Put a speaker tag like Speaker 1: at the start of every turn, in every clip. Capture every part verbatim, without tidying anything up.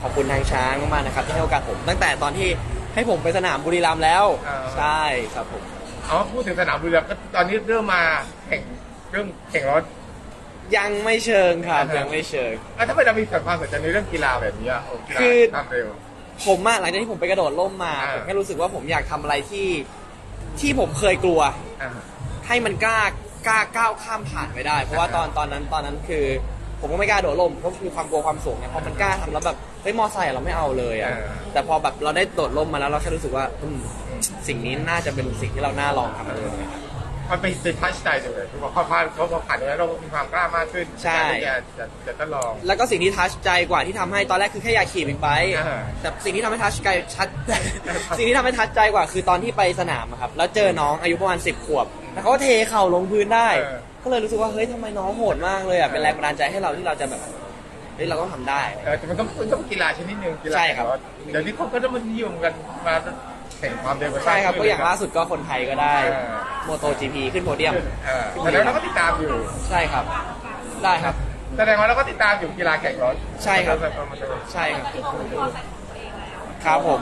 Speaker 1: อบคุณทางช้างมากๆนะครับที่ให้โอกาสผมตั้งแต่ตอนที่ให้ผมไปสนามบุรีรัมย์แล้วใช่ครับผม
Speaker 2: อ๋อพูดถึงสนามบุรีรัมย์ก็ตอนนี้เริ่มมาแข่งเรื่องแข่งรถ
Speaker 1: ยังไม่เชิงครับยังไม่เชิง
Speaker 2: อ่ะถ้าไม่เรามีความสนใจในเรื่องกีฬาแบบนี้อ่ะ
Speaker 1: คือ
Speaker 2: ความเร็ว
Speaker 1: ผมอะหลังจากที่ผมไปกระโดดร่มมาผมแค่รู้สึกว่าผมอยากทำอะไรที่ที่ผมเคยกลัวให้มันกล้ากล้าก้าวข้ามผ่านไปได้เพราะว่าตอนตอนนั้นตอนนั้นคือผมก็ไม่กล้าโดดร่มเพราะคือความกลัวความสูงเนี่ยพอมันกล้าทำแล้วแบบเฮ้ยมอไซค์เราไม่เอาเลยอ่ะแต่พอแบบเราได้โดดร่มมาแล้วเราแค่รู้สึกว่าสิ่งนี้น่าจะเป็นสิ่งที่เราน่าลองทำเลย
Speaker 2: มันเป็นเป็นทัชใจเลยคือพอผ่านเขาพอผ่านแล้วเรามีความกล้ามากขึ้น
Speaker 1: ใช่
Speaker 2: จะจะจะทดลอง
Speaker 1: แล้วก็สิ่งที่ทัชใจกว่าที่ทำให้ตอนแรกคือแค่อยากขี่บิ๊กไบค์แต่สิ่งที่ทำให้ทัชใจชัดสิ่งที่ทำให้ทัชใจกว่าคือตอนที่ไปสนามครับแล้วเจอน้องอายุประมาณสิบขวบแล้วเขาก็เทเข่าลงพื้นได้ก็เลยรู้สึกว่าเฮ้ยทำไมน้องโหดมากเลยอ่ะเป็นแรงบันดาลใจให้เราที่เราจะแบบเฮ้ยเราต้องทำได้
Speaker 2: แต่มันต้องต้องกีฬาชนิดนึงกีฬา
Speaker 1: ใช่ครับ
Speaker 2: เดี๋ยวนี้เขาก็จะมานิยมกันมาแข่งความเร็ว
Speaker 1: ใช่ครับก็อย่างล่าสุดก็คนไทยก็ได้โมโต จี พี ขึ้นโพเดียม
Speaker 2: แล้วเราก็ติดตามอยู่
Speaker 1: ใช่ครับได้ครับ
Speaker 2: แสดงว่าเราก็ติดตามอยู่กีฬาแข่งรถ
Speaker 1: ใช่ครับใช่ครับครับผม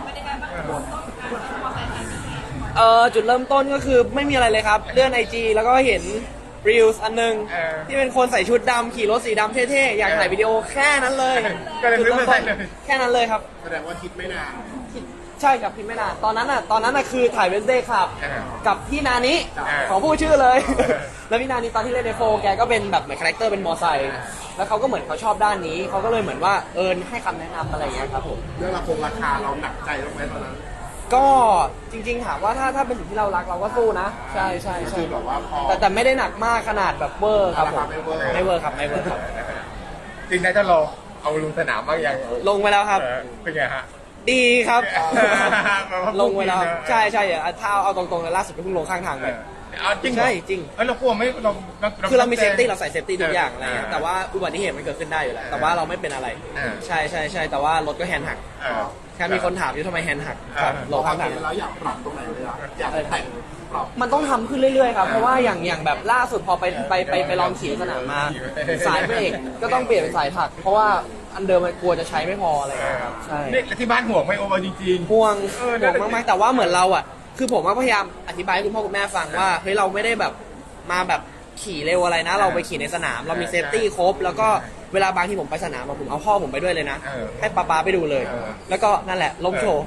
Speaker 1: เอ่อจุดเริ่มต้นก็คือไม่มีอะไรเลยครับเลื่อนไอจีแล้วก็เห็นรีลส์อันนึงที่เป็นคนใส่ชุดดำขี่รถสีดำเท่ๆอยากถ่ายวิดีโอแค่นั้นเลย
Speaker 2: จุดเริ่มต้น
Speaker 1: แค่นั้นเลยครับ
Speaker 3: แสดงว่าคิดไม่นาน
Speaker 1: ใช่ครับพี่ไม่นานตอนนั้นอ่ะตอนนั้นอ่ะคือถ่ายเวนเดย์ครับกับพี่นานิของผู้ชื่อเลยแล้วพี่นานิตอนที่เล่นในโฟแกก็เป็นแบบเหมือนคาแรคเตอร์เป็นมอไซค์แล้วเขาก็เหมือนเขาชอบด้านนี้เขาก็เลยเหมือนว่าเอิญให้คำแนะนำอะไรอย่างเงี้ยครับผม
Speaker 3: เรื่องราคงราคาเราหนักใจบ้างไหมตอนนั้น
Speaker 1: ก็จริงๆถามว่าถ้าถ้าเป็นสิ่งที่เรารักเราก็สู้นะใช่ใช่ใช่
Speaker 3: แบบว่าพอ
Speaker 1: แต่แต่ไม่ได้หนักมากขนาดแบบเวอร์ครับผมไม่เวอร์ครับไม่เวอร์ครับ
Speaker 2: จริงๆถ้าเราเอาลงสนามบ้างยัง
Speaker 1: ลงไปแล้วครับ
Speaker 2: เป็นไงฮะ
Speaker 1: ดีครับลงไปแล้วใช่ใช่ถ้าเอาตรงๆเลยล่าสุดก็เพิ่งลงข้างทางไป
Speaker 2: จริง
Speaker 1: ใช่จริง
Speaker 2: เรากลัวไม่เรา
Speaker 1: คือเรามีเซฟตี้เราใส่เซฟตี้ทุกอย่างอะไรเงี้ยแต่ว่าอุบัติเหตุมันเกิดขึ้นได้อยู่แล้วแต่ว่าเราไม่เป็นอะไรใช่ใช่ใช่แต่ว่ารถก็แฮนด์หักแค่มีคนถามอยู่ทำไมแฮนด์หัก
Speaker 3: ลงข้างทางแล้วอยากปรับตรงไหนเลยอ่ะอยากแต่งปรับ
Speaker 1: มันต้องทำขึ้นเรื่อยๆครับเพราะว่าอย่างอย่างแบบล่าสุดพอไปไปไปไปลองขี่สนามมาสายเบรกก็ต้องเปลี่ยนเป็นสายถักเพราะว่าอันเดิมมันกลัวจะใช้ไม่พออะไรครับใช่
Speaker 2: นี่ที่บ้านห่วงไหมโอ้จริง
Speaker 1: ๆห่วงห่วงมากๆแต่ว่าเหมือนเราอ่ะคือผมว่าพยายามอธิบายให้คุณพ่อคุณแม่ฟังว่าเฮ้ยเราไม่ได้แบบมาแบบขี่เร็วอะไรนะเราไปขี่ในสนามเรามีเซฟตี้ครบแล้วก็เวลาบางที่ผมไปสนามผมเอาพ่อผมไปด้วยเลยนะให้ป๊าป๊าไปดูเลยแล้วก็นั่นแหละล้มโชว์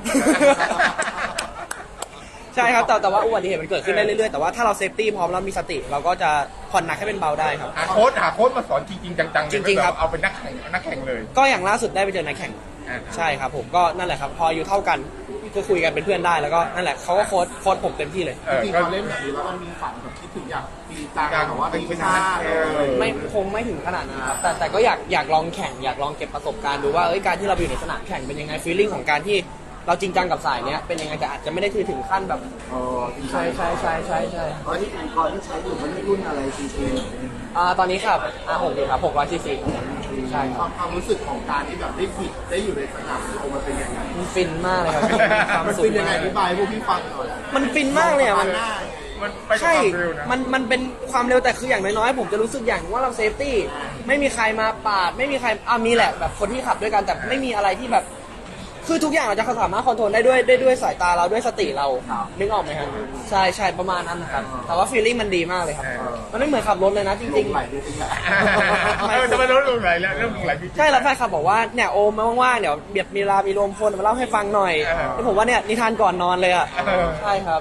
Speaker 1: ใช่ครับแต่แต่ว่าอุบัติเหตุมันเกิดขึ้นได้เรื่อยๆแต่ว่าถ้าเราเซฟตี้พร้อมแล้วมีสติเราก็จะผ่อนหนักให้เป็นเบาได้ครับ
Speaker 2: หาโค้ชหาโค้ชมาสอนจริงๆจังๆ
Speaker 1: จริงๆครับ
Speaker 2: เอาเป็นนักแข่งนักแข่งเลย
Speaker 1: ก็อย่างล่าสุดได้ไปเจอนักแข่งใช่ครับผมก็นั่นแหละครับพออยู่เท่ากันก็คุยกันเป็นเพื่อนได้แล้วก็นั่นแหละเขาก็โค้ชโค้ชผมเต็มที่เลย
Speaker 3: จริงๆเราเล่นแบบนี้แล้วมันมีฝันแบบคิดถึงอยากตีตาหรือว่าตีซ่า
Speaker 1: ไม่คงไม่ถึงขนาดนั้นครับแต่แต่ก็อยากอยากลองแข่งอยากลองเก็บประสบการณ์ดูว่าเอ้ยการที่เราอยู่ในสนามแข่งเป็นยังไงฟีลลิ่งของการที่เราจริงจังกับสายเนี้ยเป็นยังไงแต่อาจจะไม่ได้ถือถึงขั้นแบบใช่ใช่ใช่ใช่ใช่
Speaker 3: ตอนที่อุปกรณ์ที่ใช้อยู่มันรุ่นอะไรซีซี
Speaker 1: อ่าตอนนี้ครับอ่าหกดีครับหกร้อยซีซีใช่ครับ
Speaker 3: ความรู้สึกของการที่แบบได้ผิดได้อยู่ในสนามโอมันเป็นยังไง
Speaker 1: มันฟินมากเลยครับ
Speaker 3: มันฟินยังไงอธิบายพวกพี่ฟังหน่อย
Speaker 1: มันฟินมากเลยอ่ะมันใช่
Speaker 2: มั
Speaker 1: นมันเป็นความเร็วแต่คืออย่างน้อยๆผมจะรู้สึกอย่างว่าเราเซฟตี้ไม่มีใครมาปาดไม่มีใครอ่ามีแหละแบบคนที่ขับด้วยกันแต่ไม่มีอะไรที่แบบคือทุกอย่างเราจะสามารถคอนโทรลได้ด้วยได้ด้วยสายตาเราด้วยสติเรานึกออกไหมครับใช่ใช่ประมาณนั้นนะครับแต่ว่าฟีลลิ่งมันดีมากเลยครับมันไม่เหมือนขับรถเลยนะจริงๆ
Speaker 2: ไม่จะมาลดลงไหลแล้วเริ่มลงไหล
Speaker 1: ใช่แล้วแฟนคลับบอกว่าเนี่ยโอมมาว่างๆเดี๋ยวเบียดมีเวลามีรวมพลมาเล่าให้ฟังหน่อยที่ผมว่าเนี่ยนิทานก่อนนอนเลยอ่ะใช่ครับ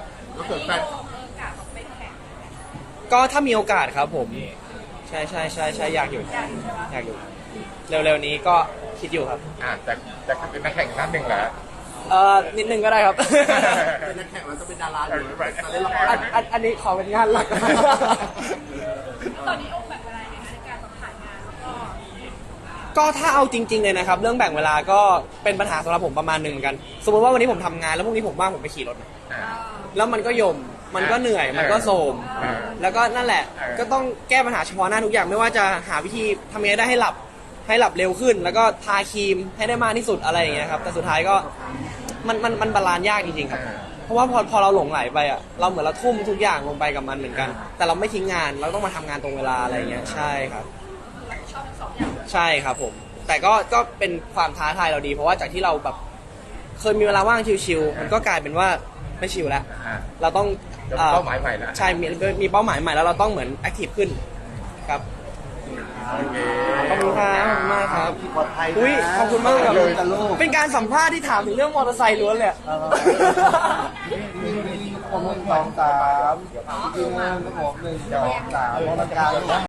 Speaker 1: ก็ถ้ามีโอกาสครับผมใช่ใช่ใช่ใช่อยากอยู่อยากอยู่เร็วๆนี้ก็คิดอยู่ครับ
Speaker 2: อ่าแต่แต่เป็นนักแข่งท่านหนึ่งเหรอ
Speaker 1: เอ่อนิดนึงก็ได้ครับ
Speaker 3: เป็นนักแข่งแล้วจะเป็นดาราอยู่มาเล่นละคร
Speaker 1: อันนี้ขอเป็นงานหลัก
Speaker 4: ตอนนี้โอ้แบ่งเวลาในการถ่ายงานแล้วก็
Speaker 1: ก็ถ้าเอาจริงๆเลยนะครับเรื่องแบ่งเวลาก็เป็นปัญหาสำหรับผมประมาณหนึ่งเหมือนกันสมมติว่าวันนี้ผมทำงานแล้วพรุ่งนี้ผมว่างผมไปขี่รถแล้วมันก็ยมมันก็เหนื่อยมันก็โทรมแล้วก็นั่นแหละก็ต้องแก้ปัญหาเฉพาะหน้าทุกอย่างไม่ว่าจะหาวิธีทำยังไงได้ให้หลับให้หลับเร็วขึ้นแล้วก็ทาครีมให้ได้มากที่สุดอะไรอย่างเงี้ยครับแต่สุดท้ายก็มันมันมันบาลานซ์ยากจริงๆครับเพราะว่าพอพอเราหลงไหลไปอ่ะเราเหมือนเราทุ่มทุกอย่างลงไปกับมันเหมือนกันแต่เราไม่ทิ้งงานเราต้องมาทำงานตรงเวลาอะไรอย่างเงี้ยใช่ครับ
Speaker 4: ชอบทั้งสองอย่าง
Speaker 1: ใช่ครับผมแต่ก็ก็เป็นความท้าทายเราดี เพราะว่าจากที่เราแบบเคยมีเวลาว่างชิวๆมันก็กลายเป็นว่าไม่ชิวแล้ว
Speaker 2: อ่า
Speaker 1: เราต้อง
Speaker 2: จะมีเป้าหมายใหม่แล้ว
Speaker 1: ใช่มีมีเป้าหมายใหม่แล้วเราต้องเหมือนแอคทีฟขึ้นครับ
Speaker 2: โอเค
Speaker 1: ขอบคุณครับขอบคุณมากครับ
Speaker 3: ปลอดภัยนะ
Speaker 1: อุ้ยขอบคุณมากครับ
Speaker 3: เลยกับลูก
Speaker 1: เป็นการสัมภาษณ์ที่ถามถึงเรื่องมอเตอร์ไซค์ล้วนเลยอะ
Speaker 3: มีมีคนหนึ่งสองสามที่หนึ่งครับผมหนึ่งสองสามพนักงาน